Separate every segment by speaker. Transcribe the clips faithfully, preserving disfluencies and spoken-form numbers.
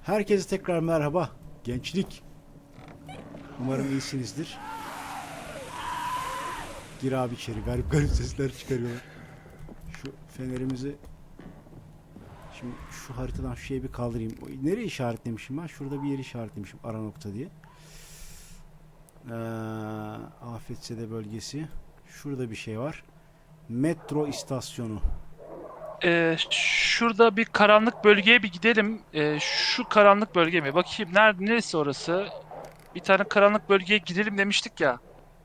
Speaker 1: Herkese tekrar merhaba. Gençlik. Umarım iyisinizdir. Gir abi içeri. Garip garip sesler çıkarıyorlar. Şu fenerimizi... Şimdi şu haritadan şu şeyi bir kaldırayım. Nereye işaretlemişim ben? Şurada bir yeri işaretlemişim. Ara nokta diye. Ee, Afetsede bölgesi. Şurada bir şey var. Metro istasyonu.
Speaker 2: Ee, şurada bir karanlık bölgeye bir gidelim. Ee, şu karanlık bölge mi? Bakayım nerede, neresi orası? Bir tane karanlık bölgeye gidelim demiştik ya.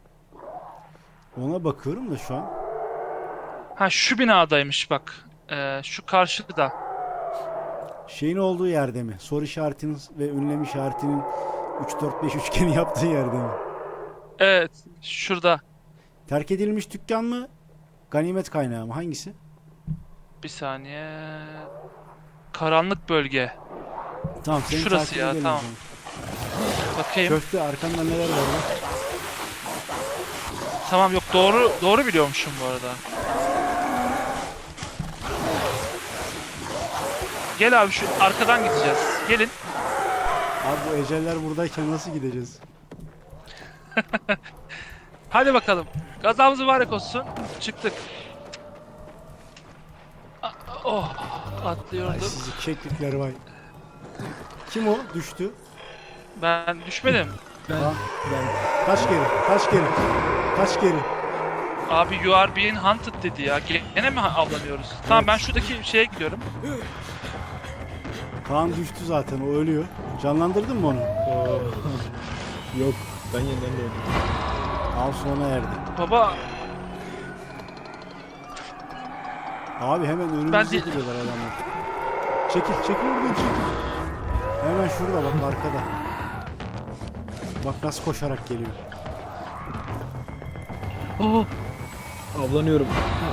Speaker 1: Ona bakıyorum da şu an.
Speaker 2: Ha şu binadaymış bak. Ee, şu karşıda.
Speaker 1: Şeyin olduğu yerde mi? Soru işaretinin ve ünlem işaretinin üç dört beş üçgeni yaptığı yerde mi?
Speaker 2: Evet, şurada.
Speaker 1: Terk edilmiş dükkan mı? Ganimet kaynağı mı? Hangisi?
Speaker 2: Bir saniye. Karanlık bölge.
Speaker 1: Tamam, seni
Speaker 2: Şurası
Speaker 1: takip
Speaker 2: ya,
Speaker 1: edelim
Speaker 2: tamam.
Speaker 1: o zaman.
Speaker 2: Bakayım.
Speaker 1: Köfte arkanda neler var lan?
Speaker 2: Tamam, yok doğru doğru biliyormuşum bu arada. Gel abi şu arkadan gideceğiz. Gelin.
Speaker 1: Abi bu eceller buradayken nasıl gideceğiz?
Speaker 2: Hadi bakalım. Gazamız mübarek olsun. Çıktık. A- Oh,
Speaker 1: Ay
Speaker 2: atlıyordum.
Speaker 1: sizi keklikler vay. Kim o? Düştü.
Speaker 2: Ben düşmedim.
Speaker 1: Tamam. Kaç geri? Kaç geri? Kaç geri?
Speaker 2: Abi you are being hunted dedi ya. Gene mi avlanıyoruz? Tamam, ben şuradaki şeye gidiyorum.
Speaker 1: Kaan düştü zaten, o ölüyor. Canlandırdın mı onu?
Speaker 3: Yok, ben yeniden doğdum.
Speaker 1: Av sona erdi.
Speaker 2: Baba
Speaker 1: Abi hemen
Speaker 2: Ben
Speaker 1: önümüzde
Speaker 2: de-
Speaker 1: duruyorlar adamlar. Çekil, çekil oradan çekil. Hemen şurada bak, arkada. Bak nasıl koşarak geliyor.
Speaker 2: oh,
Speaker 3: Avlanıyorum.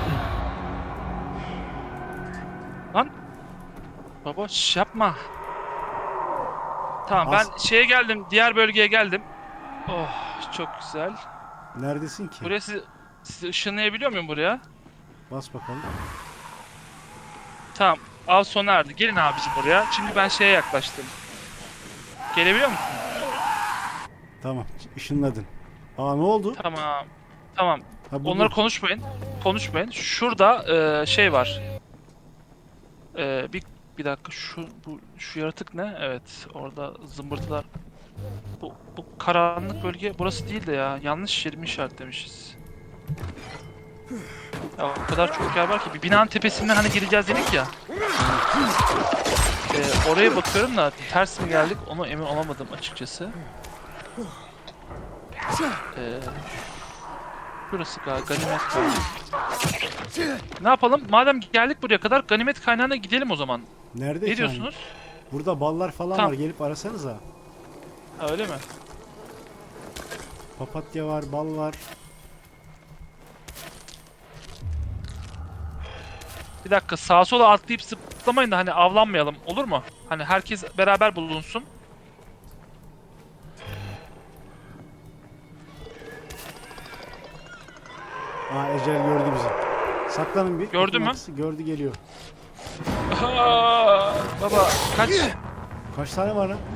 Speaker 2: lan. Baba şş yapma. Tamam,
Speaker 1: As-
Speaker 2: ben şeye geldim. Diğer bölgeye geldim. Oh, çok güzel.
Speaker 1: Neredesin ki?
Speaker 2: Buraya sizi, sizi ışınlayabiliyor muyum buraya?
Speaker 1: Bas bakalım.
Speaker 2: Tamam. Av sona erdi. Gelin abicim buraya. Şimdi ben şeye yaklaştım. Gelebiliyor musun?
Speaker 1: Tamam, ışınladın. Aa, ne oldu?
Speaker 2: Tamam. Tamam.
Speaker 1: Ha, bu-
Speaker 2: Onları konuşmayın. Konuşmayın. Şurada e, şey var. E, bir bir dakika, şu bu şu yaratık ne? Evet, orada zımbırtılar. Bu bu karanlık bölge burası değil de ya. Yanlış yerimi işaretlemişiz. Ya o kadar çok yer var ki bir binanın tepesinden hani gireceğiz dedik ya. E, oraya bakıyorum da ters mi geldik onu emin olamadım açıkçası. E, Burası galiba ganimet kaynağı. Ne yapalım? Madem geldik buraya kadar ganimet kaynağına gidelim o zaman.
Speaker 1: Nerede
Speaker 2: Ne
Speaker 1: ki
Speaker 2: diyorsunuz?
Speaker 1: hani? Burada ballar falan
Speaker 2: Tamam.
Speaker 1: var, gelip arasanıza.
Speaker 2: Ha, öyle mi?
Speaker 1: Papatya var, bal var.
Speaker 2: Bir dakika, sağa sola atlayıp zıplamayın da hani avlanmayalım, olur mu? Hani herkes beraber bulunsun.
Speaker 1: Aa, Ecel gördü bizi. Saklanın bir.
Speaker 2: Gördü mü?
Speaker 1: Yakın gördü, geliyor.
Speaker 2: Aa, baba kaç.
Speaker 1: Kaç tane var lan?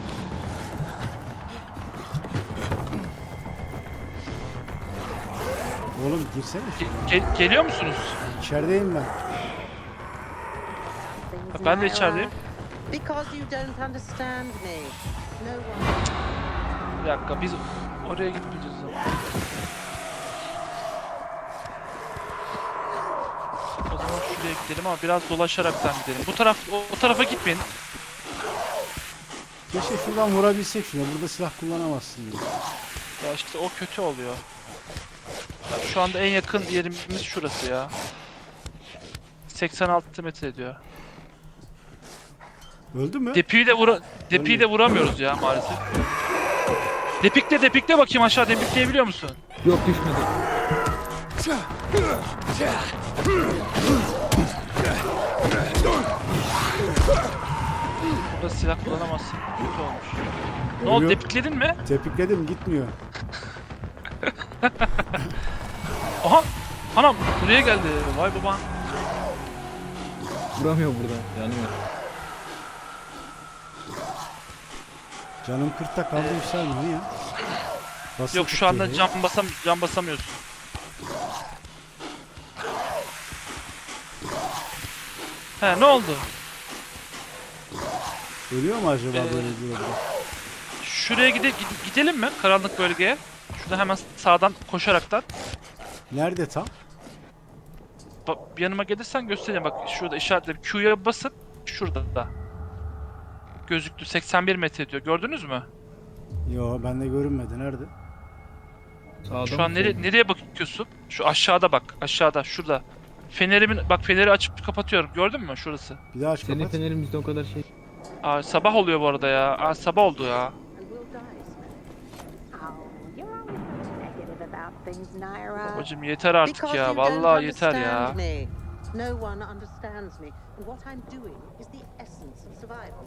Speaker 1: Oğlum girsene.
Speaker 2: Ge- ge- geliyor musunuz?
Speaker 1: İçerideyim ben.
Speaker 4: Things
Speaker 2: Ben de
Speaker 4: Myra,
Speaker 2: içerideyim.
Speaker 4: Because you don't understand me. No one.
Speaker 2: Bir dakika, biz oraya gitmeyeceğiz o zaman. O zaman şuraya gidelim ama biraz dolaşaraktan gidelim. Bu taraf, o, o tarafa gitmeyin.
Speaker 1: Keşke şuradan vurabilsek şuna. Burada silah kullanamazsın diye.
Speaker 2: Ya işte o kötü oluyor. Ya şu anda en yakın yerimiz şurası ya. seksen altı metre ediyor.
Speaker 1: Öldü mü?
Speaker 2: Depiyi de vura Depiyi de vuramıyoruz ya maalesef. Depikle depikle bakayım aşağı, depikleyebiliyor musun?
Speaker 3: Yok, düşmedi.
Speaker 2: Burada silah kullanamazsın. Kötü olmuş. Ne oldu,
Speaker 1: Ölüyor.
Speaker 2: depikledin mi?
Speaker 1: Tepikledim, gitmiyor.
Speaker 2: Aha! Anam buraya geldi. Vay baban.
Speaker 3: Vuramıyor buradan. Yanıyor.
Speaker 1: Canım kırkta kaldı
Speaker 2: Ee,
Speaker 1: yükselmiyor ya. Basın
Speaker 2: Yok şu anda
Speaker 1: tutuyor ya.
Speaker 2: cam basam cam basamıyorsun. He ne oldu?
Speaker 1: Ölüyor mu acaba
Speaker 2: Ee,
Speaker 1: böyle bir oldu?
Speaker 2: Şuraya gide gide- gidelim mi? Karanlık bölgeye. Şurada hemen sağdan koşaraktan.
Speaker 1: Nerede tam?
Speaker 2: Bak, yanıma gelirsen göstereyim. Bak şurada işaretle Q'ya basın. Şurada da. Gözüktü. seksen bir metre diyor. Gördünüz mü?
Speaker 1: Yo bende görünmedi. Nerede?
Speaker 3: Sağda
Speaker 2: Şu
Speaker 3: mı,
Speaker 2: an nereye,
Speaker 3: solda?
Speaker 2: nereye bakıyorsun? Şu aşağıda bak. Aşağıda. Şurada. Fenerimin bak feneri açıp kapatıyorum. Gördün mü şurası?
Speaker 1: Bir daha aç
Speaker 3: Senin
Speaker 1: kapat.
Speaker 3: fenerin bizde o kadar şey.
Speaker 2: Aa, sabah oluyor bu arada ya. Aa, sabah oldu ya.
Speaker 4: And we'll die, Smith. Oh, you're always so negative about things, Naira.
Speaker 2: Babacım yeter artık
Speaker 4: Because
Speaker 2: ya.
Speaker 4: you don't
Speaker 2: Vallahi yeter ya.
Speaker 4: understand me. No one understands me. And what I'm doing is the essence of survival.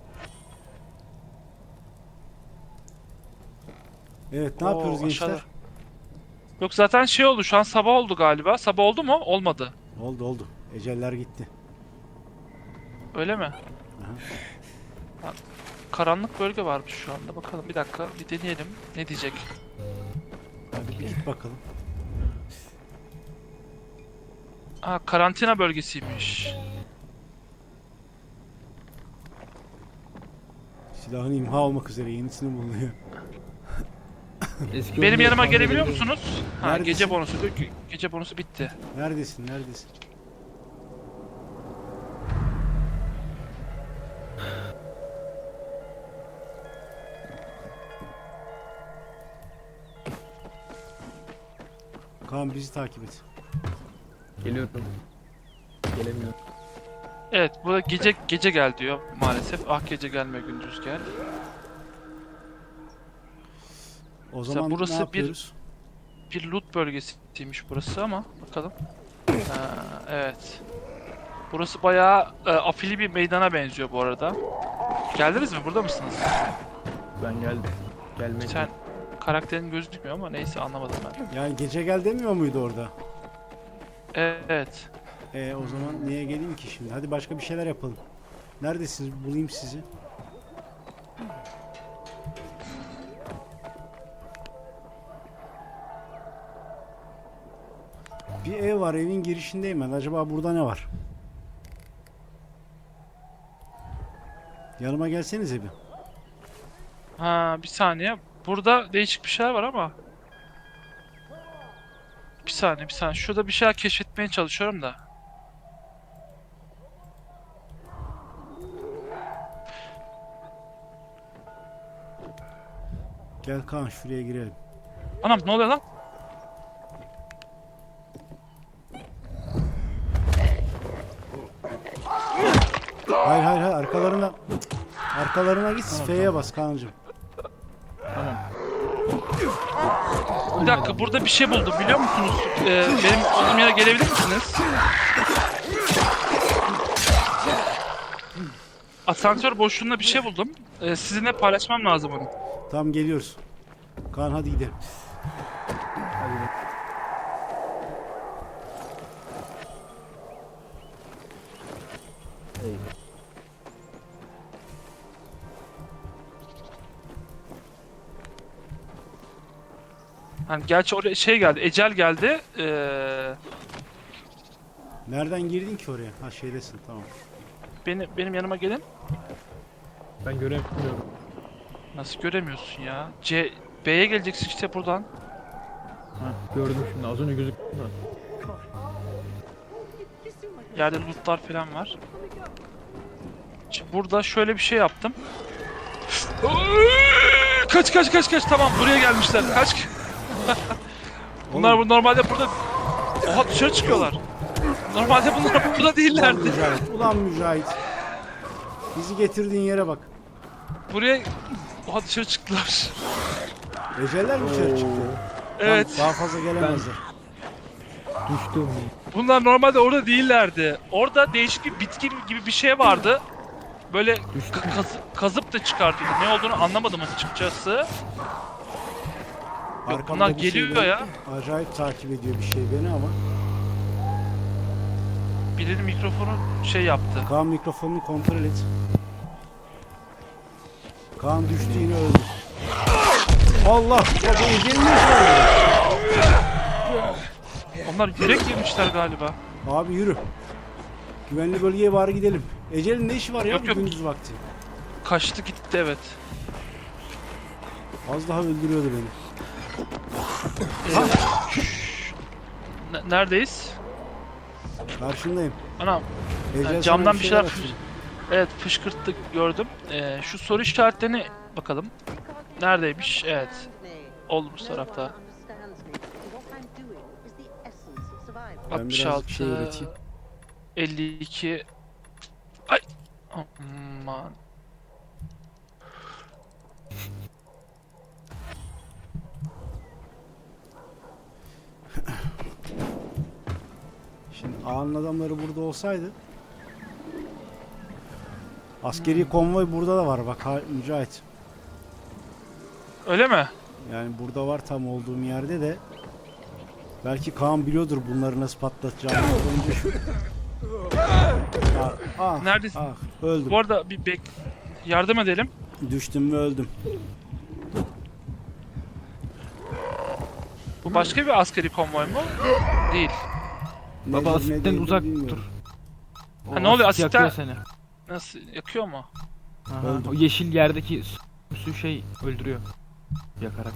Speaker 1: Evet ne
Speaker 2: Oo,
Speaker 1: yapıyoruz gençler?
Speaker 2: aşağıda. Yok zaten şey oldu. Şu an sabah oldu galiba. Sabah oldu mu? Olmadı.
Speaker 1: Oldu oldu. Eceller gitti.
Speaker 2: Öyle mi?
Speaker 1: Aha.
Speaker 2: Ha, karanlık bölge varmış şu anda. Bakalım bir dakika. Bir deneyelim. Ne diyecek?
Speaker 1: Hadi bir git bakalım.
Speaker 2: Aa, karantina bölgesiymiş.
Speaker 1: Silahın imha olmak üzere yenisini bulunuyor.
Speaker 3: Eski
Speaker 2: Benim
Speaker 3: oyunda
Speaker 2: yanıma
Speaker 3: tahmin
Speaker 2: gelebiliyor
Speaker 3: ediyorum.
Speaker 2: musunuz? Ha,
Speaker 1: Neredesin?
Speaker 2: gece bonusu diyor ki gece bonusu bitti.
Speaker 1: Neredesin? Neredesin? Kaan bizi takip et.
Speaker 3: Geliyorum. Gelemiyorum.
Speaker 2: Evet, burada gece gece gel diyor maalesef. Ah gece gelme gündüz gel.
Speaker 1: O
Speaker 2: Mesela
Speaker 1: zaman
Speaker 2: burası
Speaker 1: ne
Speaker 2: bir-
Speaker 1: yapıyoruz?
Speaker 2: Bir loot bölgesiymiş burası ama bakalım. Ha, evet. Burası bayağı e, afili bir meydana benziyor bu arada. Geldiniz mi? Burada mısınız?
Speaker 3: Ben geldim. Gelmek.
Speaker 2: Sen karakterin gözükmüyor ama neyse anlamadım ben.
Speaker 1: Yani gece gel demiyor muydu orada?
Speaker 2: Evet.
Speaker 1: E o zaman niye geleyim ki şimdi? Hadi başka bir şeyler yapalım. Neredesiniz? Bulayım sizi. Bir ev var, evin girişindeyim ben. Acaba burada ne var? Yanıma gelsenize bir.
Speaker 2: Ha bir saniye. Burada değişik bir şeyler var ama. Bir saniye bir saniye. Şurada bir şeyler keşfetmeye çalışıyorum da.
Speaker 1: Gel Kaan şuraya girelim.
Speaker 2: Anam ne oluyor lan?
Speaker 1: Hayır hayır hayır arkalarına. Arkalarına git. F'ye bas Kaan'cığım.
Speaker 3: Tamam.
Speaker 2: Bir dakika burada bir şey buldum biliyor musunuz? Ee, benim olduğum yere gelebilir misiniz? Asansör boşluğunda bir şey buldum. Ee, sizinle paylaşmam lazım onu.
Speaker 1: Tamam geliyoruz. Kaan hadi gidelim.
Speaker 3: Hadi bak. Eyvah.
Speaker 2: Hani gerçi oraya şey geldi, ecel geldi. Ee,
Speaker 1: Nereden girdin ki oraya? Ha şeydesin tamam.
Speaker 2: beni, benim yanıma gelin.
Speaker 3: Ben göremiyorum.
Speaker 2: Nasıl göremiyorsun ya? C, B'ye geleceksin işte buradan.
Speaker 3: Ha, gördüm şimdi. Az önce gözüktü da.
Speaker 2: Yerde lootlar falan var. Şimdi burada şöyle bir şey yaptım. Kaç kaç kaç kaç tamam buraya gelmişler. Kaç. Bunlar bu normalde burada. Oha dışarı çıkıyorlar. Normalde bunlar burada
Speaker 1: Ulan
Speaker 2: değillerdi.
Speaker 1: Mücahit. Ulan Mücahit. Bizi getirdiğin yere bak.
Speaker 2: Buraya oha dışarı çıktılar.
Speaker 1: Eceller mi dışarı çıktı?
Speaker 2: Evet.
Speaker 1: Tamam, daha fazla gelemezler.
Speaker 3: Düştüm.
Speaker 2: Bunlar normalde orada değillerdi. Orada değişik bir bitki gibi bir şey vardı. Böyle
Speaker 3: Düştüm.
Speaker 2: ka- kazı- kazıp da çıkartıyordu. Ne olduğunu anlamadım açıkçası. Yok,
Speaker 1: Arkamda
Speaker 2: bunlar
Speaker 1: bir şey
Speaker 2: geliyor
Speaker 1: beni-
Speaker 2: ya.
Speaker 1: Acayip takip ediyor bir şey beni ama.
Speaker 2: Birinin mikrofonu şey yaptı.
Speaker 1: Kaan mikrofonunu kontrol et. Kaan düştü yine öldü. Allah! Baba Ece'nin ne işi var burada?
Speaker 2: Onlar yürek yemişler galiba.
Speaker 1: Abi yürü. Güvenli bölgeye bari gidelim. Ecel'in ne işi var ya
Speaker 2: Yok,
Speaker 1: bu
Speaker 2: yok.
Speaker 1: gündüz vakti?
Speaker 2: Kaçtı gitti evet.
Speaker 1: Az daha öldürüyordu beni.
Speaker 2: Ee, ne- neredeyiz?
Speaker 1: Karşındayım.
Speaker 2: Anam.
Speaker 1: Ecel sana
Speaker 2: camdan bir şeyler
Speaker 1: atıyor.
Speaker 2: Evet fışkırttı gördüm. Ee, şu soru işaretlerini bakalım. Neredeymiş? Evet. Olmuş tarafta.
Speaker 1: Ben birazcık şey üreteyim.
Speaker 2: elli iki. Ay. Aman.
Speaker 1: Şimdi ağanın adamları burada olsaydı. Askeri konvoy burada da var bak ha, Mücahit.
Speaker 2: Öyle mi?
Speaker 1: Yani burada var tam olduğum yerde de. Belki Kaan biliyordur bunları nasıl patlatacağını. Önce şu... Ah, ah,
Speaker 2: Neredesin?
Speaker 1: ah, öldüm.
Speaker 2: Bu arada bir bek yardım edelim.
Speaker 1: Düştüm ve öldüm.
Speaker 2: Bu başka bir askeri konvoy mu? Değil.
Speaker 1: Nedir,
Speaker 3: Baba
Speaker 1: ne
Speaker 3: asitten
Speaker 1: değildir
Speaker 3: uzak
Speaker 1: bilmiyorum.
Speaker 3: dur. O
Speaker 2: Ha, ne oluyor?
Speaker 3: asit
Speaker 2: Asitten-
Speaker 3: yakıyor seni.
Speaker 2: Nasıl yakıyor mu?
Speaker 3: Aha,
Speaker 1: Öldüm.
Speaker 3: o yeşil yerdeki su- su şey öldürüyor. Yakarak.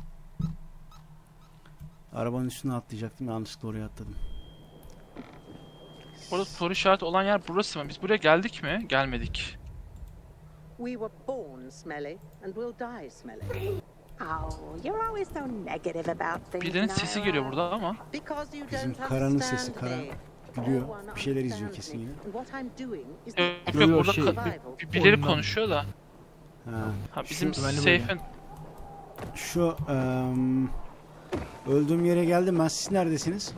Speaker 1: Arabanın üstüne atlayacaktım yanlışlıkla oraya atladım.
Speaker 2: Burada soru işareti olan yer burası mı? Biz buraya geldik mi? Gelmedik.
Speaker 5: We were born smelly and will die smelly.
Speaker 4: Oh, you're always so negative about things,
Speaker 2: Birilerinin sesi geliyor
Speaker 4: Naira.
Speaker 2: burada ama.
Speaker 5: Because you
Speaker 1: Bizim
Speaker 5: don't
Speaker 1: Karan'ın
Speaker 5: understand
Speaker 1: sesi, Karan.
Speaker 5: me.
Speaker 1: Gülüyor.
Speaker 5: No one
Speaker 1: Bir şeyler izliyor
Speaker 5: understands
Speaker 1: kesin
Speaker 5: me.
Speaker 1: yine.
Speaker 5: And what I'm doing is
Speaker 2: Yok
Speaker 5: the
Speaker 2: yok
Speaker 3: Yo, yo,
Speaker 2: burada
Speaker 3: şey,
Speaker 2: ka-
Speaker 5: bir-
Speaker 2: bir- birileri
Speaker 3: oyundan.
Speaker 2: konuşuyor da.
Speaker 1: Ha.
Speaker 2: Ha bizim
Speaker 3: Şu güvenli bölge.
Speaker 2: safe'in
Speaker 1: Şu em, öldüğüm yere geldim ben. Siz neredesiniz?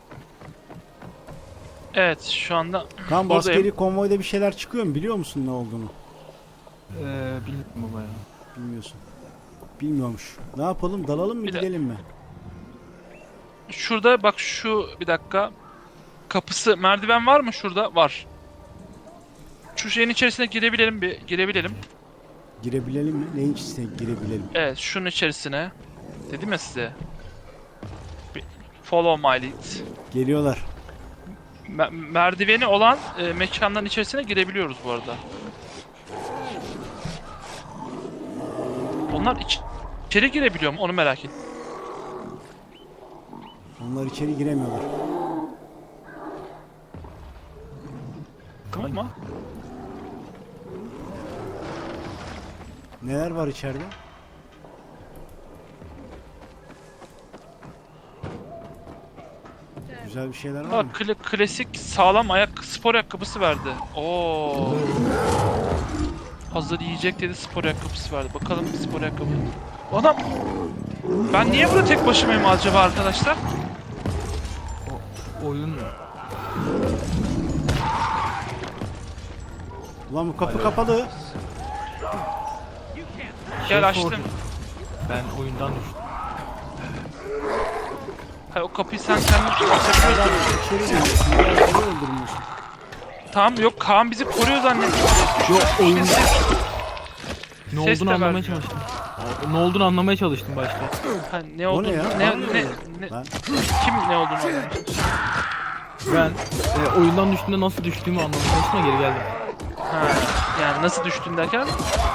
Speaker 2: evet şu anda
Speaker 1: Kan
Speaker 2: Buradayım.
Speaker 1: askeri konvoyda bir şeyler çıkıyor mu? Biliyor musun ne olduğunu?
Speaker 3: Ee, bilmiyorum baba ya.
Speaker 1: Bilmiyorsun. Bilmiyormuş. Ne yapalım? Dalalım mı
Speaker 2: Bir de-
Speaker 1: gidelim mi?
Speaker 2: şurada bak şu bir dakika. Kapısı merdiven var mı şurada? Var. Şu şeyin içerisine girebilelim bir girebilelim.
Speaker 1: Girebilelim mi? Neyin içine girebilelim?
Speaker 2: Evet şunun içerisine. Dedim ya size. Bir- Follow my lead.
Speaker 1: Geliyorlar.
Speaker 2: Me- merdiveni olan e, mekanların içerisine girebiliyoruz bu arada. Onlar iç- içeri girebiliyor mu? Onu merak ettim.
Speaker 1: Onlar içeri giremiyorlar.
Speaker 2: Tamam mı?
Speaker 1: Neler var içeride? Güzel bir şeyler var mı?
Speaker 2: Bak kla- klasik sağlam ayak spor ayakkabısı verdi. Oo. Hazır yiyecek dedi spor ayakkabısı verdi. Bakalım spor ayakkabı. Adam ben niye burada tek başımayım acaba arkadaşlar?
Speaker 3: Oyun
Speaker 1: Ulan bu kapı kapalı.
Speaker 2: Gel açtım.
Speaker 3: sordu. Ben oyundan düştüm.
Speaker 2: Ha, o kapıyı sen kendin açabiliyorsun.
Speaker 1: İçeri giriyorsun. Biraz beni öldürmüyorsun.
Speaker 2: Tamam yok Kaan bizi koruyor zannettim.
Speaker 3: Yok oyun
Speaker 2: Ses-
Speaker 3: ne
Speaker 2: ses de
Speaker 3: olduğunu anlamaya
Speaker 2: vermiyor.
Speaker 3: çalıştım. Ne olduğunu anlamaya çalıştım başta.
Speaker 2: Ha, ne
Speaker 1: O
Speaker 2: olduğunu
Speaker 1: ne ya?
Speaker 2: ne,
Speaker 1: Bana
Speaker 2: ne,
Speaker 1: ne?
Speaker 2: ne-
Speaker 1: Ben
Speaker 2: kim ne olduğunu anlamış.
Speaker 3: Ben e, oyundan düştüğümde nasıl düştüğümü anlamaya çalıştım da geri geldim.
Speaker 2: Ha, yani nasıl düştün derken?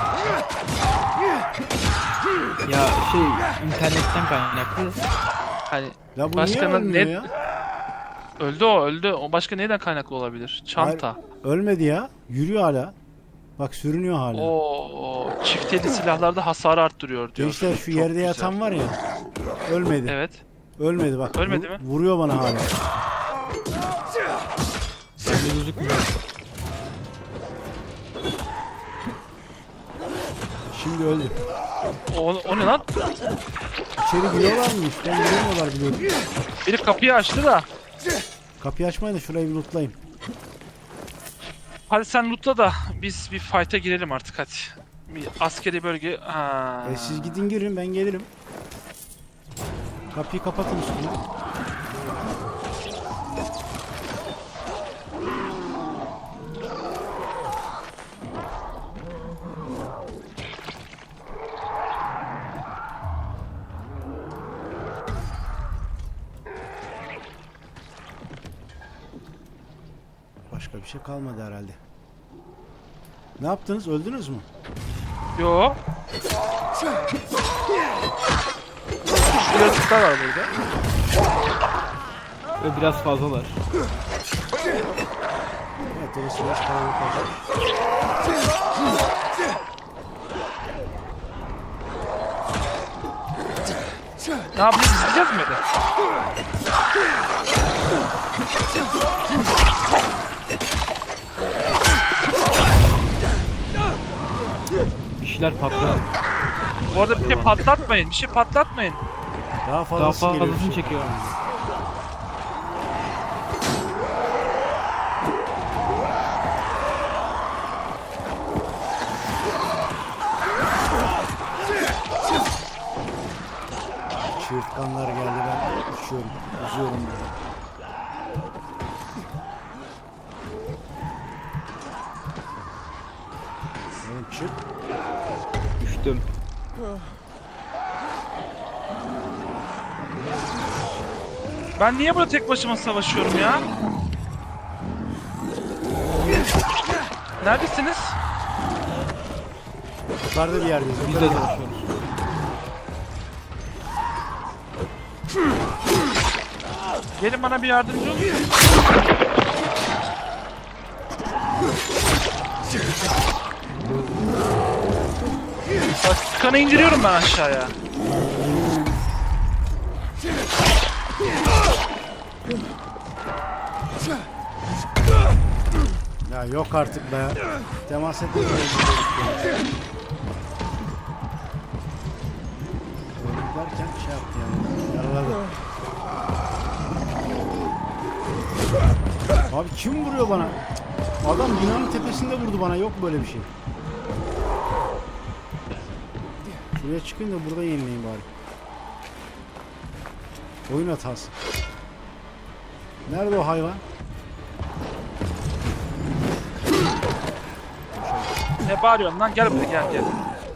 Speaker 3: Ya şey internetten kaynaklı.
Speaker 2: Hani
Speaker 1: ya bu
Speaker 2: Başka
Speaker 1: niye
Speaker 2: ne-
Speaker 1: ölmüyor
Speaker 2: ne-
Speaker 1: ya?
Speaker 2: öldü o öldü. O başka neyden kaynaklı olabilir? Çanta.
Speaker 1: Ölmedi ya. Yürüyor hala. Bak sürünüyor hala.
Speaker 2: Oo, çifteli silahlarda hasarı arttırıyor diyor.
Speaker 1: Gençler şu
Speaker 2: Çok
Speaker 1: yerde
Speaker 2: güzel.
Speaker 1: yatan var ya. Ölmedi.
Speaker 2: Evet.
Speaker 1: Ölmedi bak.
Speaker 2: Ölmedi
Speaker 1: Vur-
Speaker 2: mi?
Speaker 1: Vuruyor bana hala.
Speaker 3: Bende gözükmüyor.
Speaker 1: Şimdi öldü.
Speaker 2: O, o ne lan?
Speaker 1: İçeri giriyorlar mı? Üstten giremiyorlar biliyorum.
Speaker 2: Biri kapıyı açtı da.
Speaker 1: Kapıyı açmayın da şurayı bir lootlayayım.
Speaker 2: Hadi sen lootla da biz bir fight'a girelim artık hadi. Bir askeri bölge. Ha.
Speaker 1: E, siz gidin girin ben gelirim. Kapıyı kapatın üstüne. bir şey kalmadı herhalde. Ne yaptınız? Öldünüz mü?
Speaker 2: Yo. Şu yaratıklar var burada.
Speaker 3: Ve biraz fazlalar.
Speaker 1: Evet, orası biraz kalabalık olacak.
Speaker 2: Ne yapacağız? İzleyeceğiz mi de?
Speaker 3: Bir şeyler patlar.
Speaker 2: Bu arada bir şey patlatmayın. Bir şey patlatmayın.
Speaker 1: Daha
Speaker 3: Daha
Speaker 1: fazlası geliyor.
Speaker 3: fazlasını çekiyor.
Speaker 1: Çığırtkanlar geldi, ben uçuyorum, uzuyorum böyle. Oğlum çık.
Speaker 3: Düştüm.
Speaker 2: Ben niye burada tek başıma savaşıyorum ya? Neredesiniz?
Speaker 1: Yukarıda bir yerdeyiz.
Speaker 3: Biz de
Speaker 1: yukarıda.
Speaker 3: savaşıyoruz.
Speaker 2: Gelin bana bir yardımcı olun. Bak kanı indiriyorum ben aşağıya.
Speaker 1: Ya yok artık be. Temas etmeyin. Derken şey yaptı yani. Yaraladı. Abi kim vuruyor bana? Adam binanın tepesinde vurdu bana. Yok böyle bir şey. Şuraya çıkın da burada yenileyin bari. Oyun hatası. Nerede o hayvan?
Speaker 2: Ne bağırıyorsun lan? Gel buraya gel gel.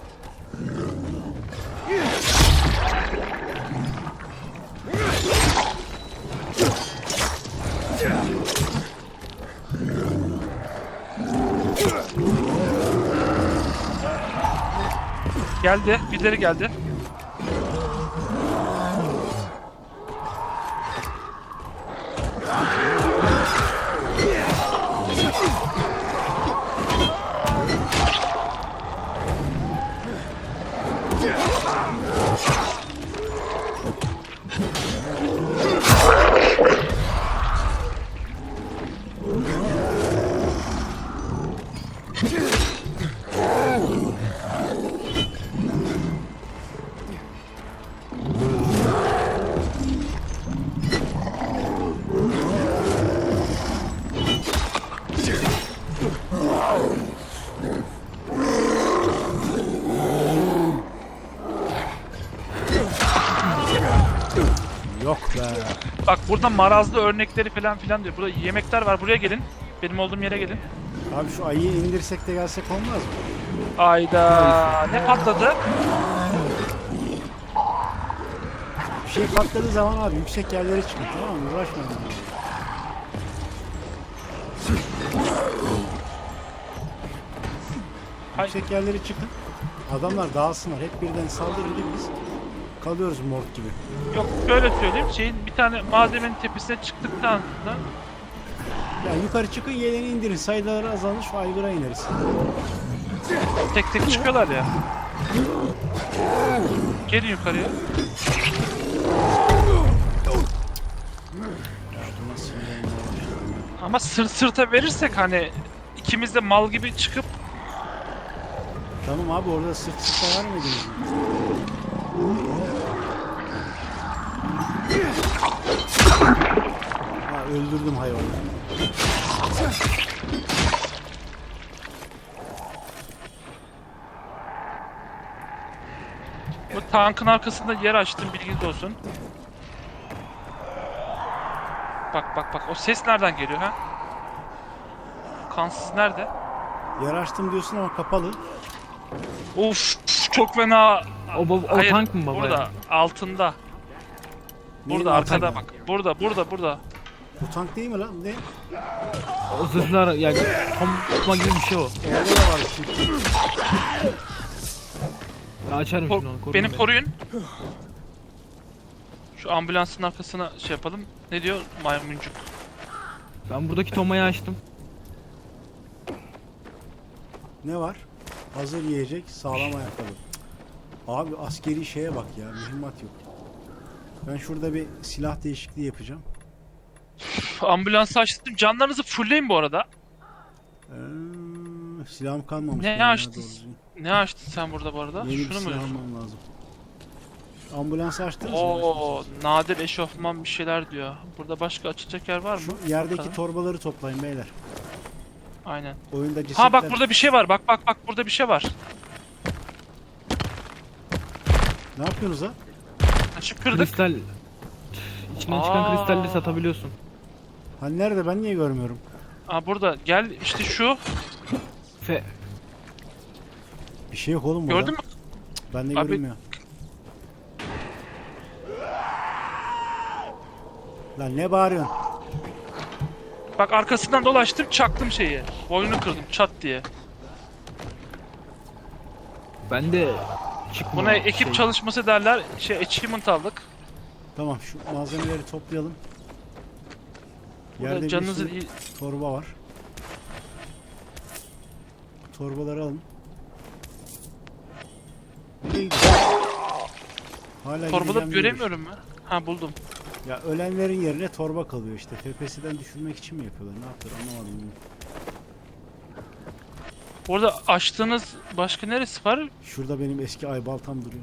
Speaker 2: Geldi, birileri geldi.
Speaker 1: Yok be.
Speaker 2: Bak burada marazlı örnekleri falan filan diyor. Burada yemekler var. Buraya gelin. Benim olduğum yere gelin.
Speaker 1: Abi şu ayıyı indirsek de gelsek olmaz mı?
Speaker 2: Ayda ne patladı?
Speaker 1: Bir şey patladığı zaman abi yüksek yerlere çıkın, tamam mı? Uğraşmayın.
Speaker 2: Hay-
Speaker 1: Yüksek yerlere çıkın. Adamlar dağılsınlar. Hep birden saldırınca biz kalıyoruz mort gibi.
Speaker 2: Yok şöyle söyleyeyim. Şeyin bir tane malzemenin tepesine çıktıktan sonra
Speaker 1: Ya yukarı çıkın, yeleni indirin. Sayıları azalır, şu aygıra ineriz.
Speaker 2: tek tek çıkıyorlar ya. Gelin yukarıya. Ama sırt sırta verirsek hani ikimiz de mal gibi çıkıp
Speaker 1: Tamam abi, orada sırt sırta vermediniz mi? Ha, öldürdüm hayvanı.
Speaker 2: bu tankın arkasında yer açtım, bilginiz olsun. Bak bak bak, o ses nereden geliyor ha? Kansız nerede?
Speaker 1: Yer açtım diyorsun ama kapalı.
Speaker 2: Of çok fena.
Speaker 3: O, bab- o
Speaker 2: Hayır,
Speaker 3: tank mı baba?
Speaker 2: burada
Speaker 3: ya?
Speaker 2: altında.
Speaker 1: Neyin
Speaker 2: Burada
Speaker 1: altında?
Speaker 2: arkada bak. Burada burada burada.
Speaker 1: Bu tank değil mi lan? Ne?
Speaker 3: O zırhlar yani kompa gibi bir şey o.
Speaker 1: Orada da var şimdi.
Speaker 3: Ya açarım
Speaker 2: Ko-
Speaker 3: şimdi onu. koruyun
Speaker 2: beni
Speaker 3: beni.
Speaker 2: koruyun. Şu ambulansın arkasına şey yapalım. Ne diyor maymuncuk?
Speaker 3: Ben buradaki tomayı açtım.
Speaker 1: Ne var? Hazır yiyecek, sağlam ayakkabı. Abi askeri şeye bak ya, mühimmat yok. Ben şurada bir silah değişikliği yapacağım.
Speaker 2: Üf, ambulansı açtım. Canlarınızı fullleyin bu arada.
Speaker 1: Ee, silahım kalmamış.
Speaker 2: Ne
Speaker 1: benim ya,
Speaker 2: açtın?
Speaker 1: doğru düzgün.
Speaker 2: Ne açtın sen burada bu arada?
Speaker 1: Yeni bir
Speaker 2: Şunu mu
Speaker 1: silah
Speaker 2: diyorsun?
Speaker 1: almam lazım. Ambulansı açtınız mı?
Speaker 2: Oo, nadir eşofman bir şeyler diyor. Burada başka açılacak yer var mı?
Speaker 1: Şu yerdeki
Speaker 2: Bakalım.
Speaker 1: torbaları toplayın beyler.
Speaker 2: Aynen.
Speaker 1: Oyunda cesetler...
Speaker 2: Ha bak burada bir şey var. Bak bak bak burada bir şey var.
Speaker 1: Ne yapıyorsunuz ha?
Speaker 2: Açıp kırdık.
Speaker 3: Kristal. İçinden çıkan
Speaker 2: Aa.
Speaker 3: kristalleri satabiliyorsun.
Speaker 1: Hani nerede, ben niye görmüyorum?
Speaker 2: Aa burada gel işte şu.
Speaker 3: Fe
Speaker 1: Bir şey yok oğlum burada.
Speaker 2: Gördün mü?
Speaker 1: Ben de
Speaker 2: Abi-
Speaker 1: görünmüyor. Lan ne bağırıyorsun?
Speaker 2: Bak arkasından dolaştım çaktım şeyi. Boynunu kırdım çat diye.
Speaker 3: ben de çıkma.
Speaker 2: Buna ekip
Speaker 3: şey.
Speaker 2: çalışması derler. Şey achievement aldık.
Speaker 1: Tamam, şu malzemeleri toplayalım.
Speaker 2: Burada
Speaker 1: Yerde bir
Speaker 2: canınızı
Speaker 1: sürü
Speaker 2: iyi...
Speaker 1: torba var. Torbaları alın. Nereye gidiyorsun? Hala
Speaker 2: Torbada
Speaker 1: gideceğim diyormuş.
Speaker 2: göremiyorum ben. Ha buldum.
Speaker 1: Ya ölenlerin yerine torba kalıyor işte. F P S'den düşürmek için mi yapıyorlar? Ne yapıyorlar anlamadım. ben.
Speaker 2: Bu arada açtığınız başka neresi var?
Speaker 1: Şurada benim eski ay baltam duruyor.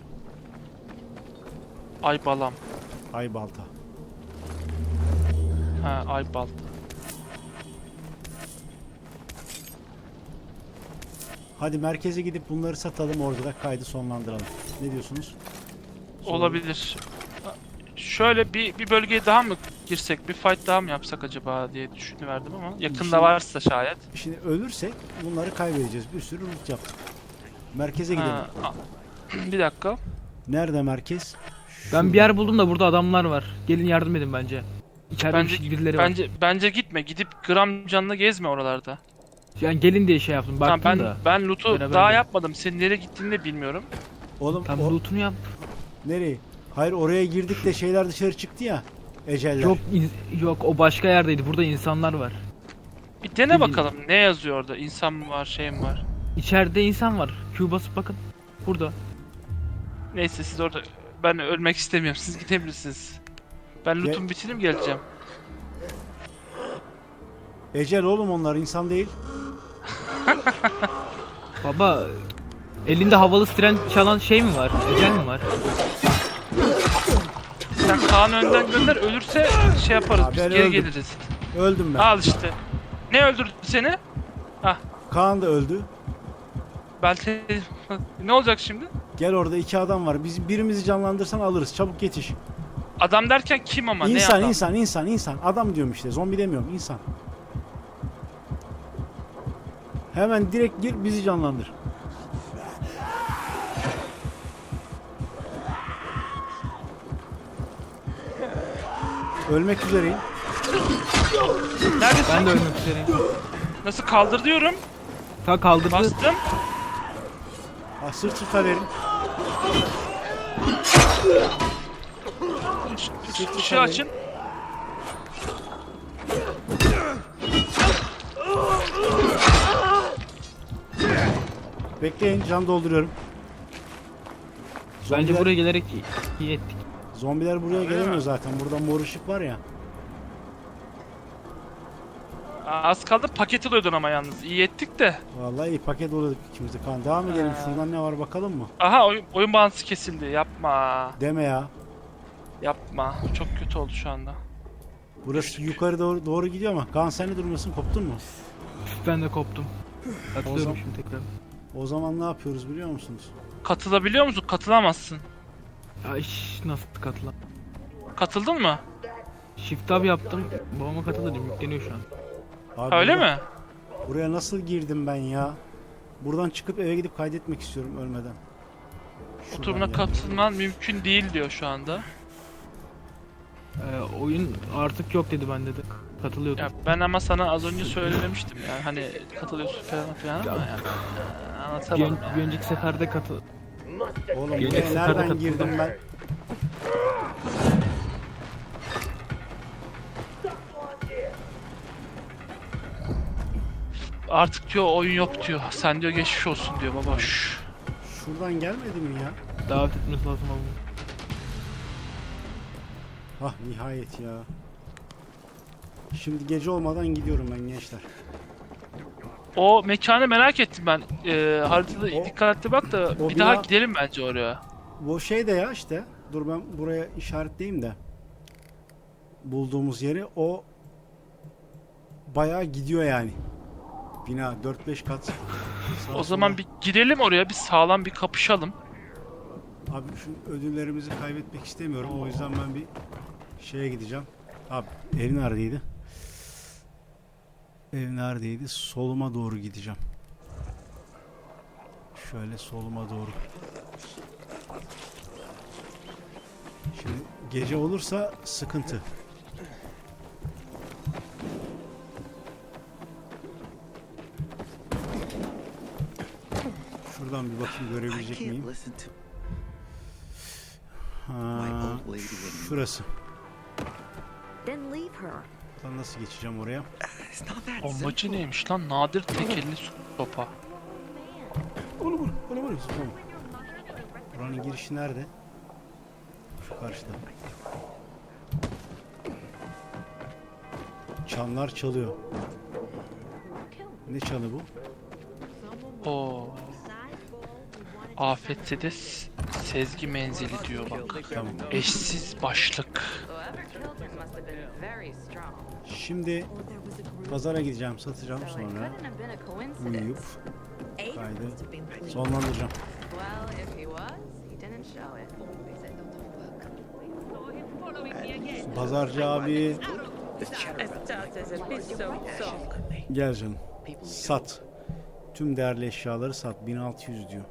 Speaker 2: Ay balam.
Speaker 1: Ay balta.
Speaker 2: Ha ay balta.
Speaker 1: Hadi merkeze gidip bunları satalım, orada da kaydı sonlandıralım. Ne diyorsunuz? Sonra-
Speaker 2: Olabilir. Şöyle bir bir bölgeye daha mı girsek, bir fight daha mı yapsak acaba diye düşünüverdim ama yakında
Speaker 1: Şimdi-
Speaker 2: varsa şayet.
Speaker 1: Şimdi ölürsek bunları kaybedeceğiz. Bir sürü loot yaptık. Merkeze gidelim.
Speaker 2: Ha, a- bir dakika.
Speaker 1: Nerede merkez?
Speaker 3: Ben bir yer buldum da burada adamlar var. Gelin yardım edin bence. İçeride
Speaker 2: Bence
Speaker 3: bir- birileri var.
Speaker 2: bence bence gitme. Gidip gram canlı gezme oralarda.
Speaker 3: Yani gelin diye şey yaptım.
Speaker 2: Tamam
Speaker 3: Baktım
Speaker 2: ben
Speaker 3: da.
Speaker 2: ben loot'u
Speaker 3: Beraber
Speaker 2: daha
Speaker 3: gidelim.
Speaker 2: yapmadım. Senin nereye gittiğini de bilmiyorum.
Speaker 1: Oğlum
Speaker 3: Tam
Speaker 1: o-
Speaker 3: loot'unu yap.
Speaker 1: nereye? Hayır, oraya girdik de şeyler dışarı çıktı ya. Eceller.
Speaker 3: Yok in- yok o başka yerdeydi. Burada insanlar var.
Speaker 2: Bir dene bakalım ne yazıyor orada. İnsan mı var, şey mi var?
Speaker 3: İçeride insan var. Q basıp bakın. Burada.
Speaker 2: Neyse siz orada ben ölmek istemiyorum. Siz gidebilirsiniz. Ben
Speaker 1: Ge-
Speaker 2: loot'umu bitireyim geleceğim.
Speaker 1: Ecel oğlum, onlar insan değil.
Speaker 3: Baba elinde havalı tren çalan şey mi var? Ecel mi var?
Speaker 2: Sen Kaan'ı önden gönder. Ölürse şey yaparız.
Speaker 1: Abi
Speaker 2: Biz
Speaker 1: ben
Speaker 2: geri
Speaker 1: öldüm.
Speaker 2: geliriz.
Speaker 1: Öldüm ben.
Speaker 2: Al işte. Ne öldürdü seni?
Speaker 1: Kaan da öldü.
Speaker 2: Belki ne olacak şimdi?
Speaker 1: Gel, orada iki adam var. Biz birimizi canlandırsan alırız. Çabuk yetiş.
Speaker 2: Adam derken kim ama ne
Speaker 1: insan,
Speaker 2: adam?
Speaker 1: insan, insan, insan. Adam diyorum işte. Zombi demiyorum. İnsan. Hemen direkt gir, bizi canlandır. Ölmek üzereyim.
Speaker 2: Neredesin?
Speaker 3: Ben de ölmek üzereyim.
Speaker 2: Nasıl kaldır diyorum.
Speaker 3: Ta kaldırdı.
Speaker 2: Bastım.
Speaker 1: Ah, sırt sırta verin.
Speaker 2: Şu ışığı açın.
Speaker 1: Bekleyin, can dolduruyorum.
Speaker 3: Bence
Speaker 1: Zombiler-
Speaker 3: buraya gelerek iyi, iyi ettik.
Speaker 1: Zombiler buraya gelemiyor zaten. Burada mor ışık var ya.
Speaker 2: Aa, az kaldı paket alıyordun ama yalnız. İyi ettik de.
Speaker 1: Vallahi iyi paket oluyorduk ikimiz de. Kan devam edelim.
Speaker 2: Ha.
Speaker 1: Şuradan ne var bakalım mı?
Speaker 2: Aha oyun, oyun bağlantısı kesildi. Yapma.
Speaker 1: Deme ya.
Speaker 2: Yapma. Çok kötü oldu şu anda.
Speaker 1: Burası yukarı doğru, doğru gidiyor ama. Kaan, sen ne durumdasın? Koptun mu?
Speaker 3: Ben de koptum.
Speaker 1: O
Speaker 3: Atlıyorum
Speaker 1: zaman-
Speaker 3: şimdi tekrar.
Speaker 1: O zaman ne yapıyoruz biliyor musunuz?
Speaker 2: Katılabiliyor musun? Katılamazsın.
Speaker 3: Ay nasıl katılan?
Speaker 2: Katıldın mı?
Speaker 3: Shift tab yaptım. Babama katıldım. Yükleniyor şu an.
Speaker 1: Abi
Speaker 2: Ha, öyle
Speaker 1: burada-
Speaker 2: mi?
Speaker 1: Buraya nasıl girdim ben ya? Buradan çıkıp eve gidip kaydetmek istiyorum ölmeden. Şuradan
Speaker 2: Oturumuna
Speaker 1: ya.
Speaker 2: katılman mümkün değil diyor şu anda.
Speaker 3: Ee, oyun artık yok dedi bende de. Katılıyordum.
Speaker 2: Ya ben ama sana az önce söylemiştim yani hani katılıyorsun falan filan ama yani e,
Speaker 3: Bir,
Speaker 2: anlatamadım
Speaker 3: ön-
Speaker 2: yani.
Speaker 3: bir önceki seferde katıl.
Speaker 1: Oğlum
Speaker 3: Gelecek
Speaker 1: buraya
Speaker 3: seferde
Speaker 1: nereden
Speaker 3: katıldım.
Speaker 1: girdim ben?
Speaker 2: Artık diyor oyun yok diyor. Sen diyor geçmiş olsun diyor baba. Şşş.
Speaker 1: Şuradan gelmedi mi ya?
Speaker 3: Davet etmesi lazım abi.
Speaker 1: Ah nihayet ya. Şimdi gece olmadan gidiyorum ben gençler.
Speaker 2: O mekanı merak ettim ben. Ee, haritada
Speaker 1: O-
Speaker 2: dikkatli bak da
Speaker 1: o
Speaker 2: bir daha
Speaker 1: bina-
Speaker 2: gidelim bence oraya.
Speaker 1: Bu şey de ya işte. Dur ben buraya işaretleyeyim de. Bulduğumuz yeri o bayağı gidiyor yani. Bina dört beş kat. Sağa
Speaker 2: O zaman
Speaker 1: sola.
Speaker 2: bir girelim oraya, bir sağlam bir kapışalım.
Speaker 1: Abi şu ödüllerimizi kaybetmek istemiyorum. O yüzden ben bir şeye gideceğim. Abi ev neredeydi? Ev neredeydi? Soluma doğru gideceğim. Şöyle soluma doğru. Şimdi gece olursa sıkıntı. Şuradan bir bakayım görebilecek miyim? Ha, şurası.
Speaker 4: Then leave her.
Speaker 1: Buradan nasıl geçeceğim oraya?
Speaker 2: Bombacı neymiş lan? Nadir tekelli sopa.
Speaker 1: Onu vur, onu vur. Tamam. Buranın girişi nerede? Şu karşıda. Çanlar çalıyor. Ne çanı bu?
Speaker 2: Oo. Afetse de s- sezgi menzili diyor bak.
Speaker 1: Tamam.
Speaker 2: Eşsiz başlık.
Speaker 1: Şimdi pazara gideceğim, satacağım sonra uyuyup kaydı sonlandıracağım. Pazarcı abi gel canım. Sat. Tüm değerli eşyaları sat. bin altı yüz diyor.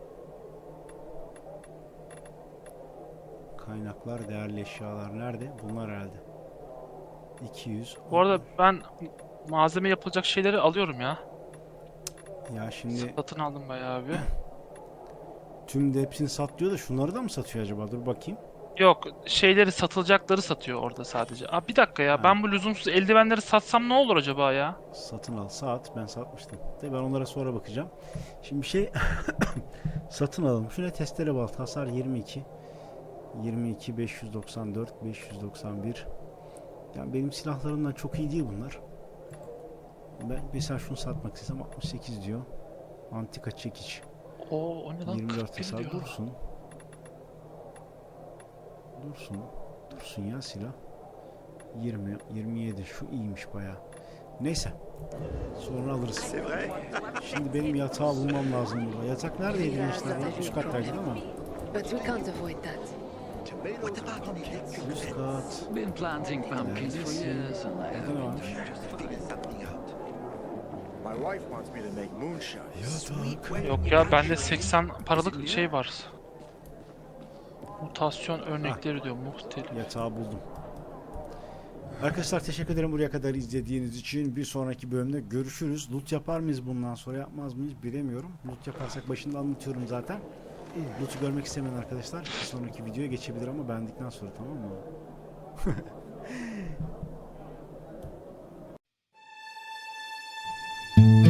Speaker 1: Kaynaklar, değerli eşyalar nerede? Bunlar herhalde. iki yüz.
Speaker 2: Bu arada ben malzeme yapılacak şeyleri alıyorum ya.
Speaker 1: Ya şimdi
Speaker 2: Satın aldım bayağı bir.
Speaker 1: tüm de hepsini sat diyor da şunları da mı satıyor acaba? Dur bakayım.
Speaker 2: Yok, şeyleri satılacakları satıyor orada sadece. Aa, bir dakika ya,
Speaker 1: Ha.
Speaker 2: ben bu lüzumsuz eldivenleri satsam ne olur acaba ya?
Speaker 1: Satın al. Saat. Ben satmıştım. De ben onlara sonra bakacağım. Şimdi bir şey satın alalım. Şöyle testere balt. Hasar yirmi iki. yirmi iki, beş yüz doksan dört, beş yüz doksan bir. Yani benim silahlarımdan çok iyi değil bunlar. Ben mesela şunu satmak istesem altmış sekiz diyor. Antika çekiç.
Speaker 2: Oo, o ne lan?
Speaker 1: yirmi dört
Speaker 2: kırk bir
Speaker 1: hasar.
Speaker 2: diyor.
Speaker 1: Dursun. Dursun. Dursun ya silah. yirmi, yirmi yedi. Şu iyiymiş bayağı. Neyse. Sonra alırız. Şimdi benim yatağı bulmam lazım burada. Yatak neredeydi gençler? ya? Üst kattaydı değil mi?
Speaker 6: But we can't avoid that.
Speaker 1: Üst kat.
Speaker 7: Been planting pumpkins for years and I
Speaker 1: Burada ne varmış?
Speaker 8: My wife wants me to make moonshine.
Speaker 1: Yatak.
Speaker 2: Yok ya, bende seksen paralık şey var. Mutasyon örnekleri diyor, muhtelif.
Speaker 1: Yatağı buldum. Arkadaşlar teşekkür ederim buraya kadar izlediğiniz için. Bir sonraki bölümde görüşürüz. Loot yapar mıyız bundan sonra, yapmaz mıyız bilemiyorum. Loot yaparsak başında anlatıyorum zaten. Loot'u görmek istemeyen arkadaşlar bir sonraki videoya geçebilir ama beğendikten sonra, tamam mı?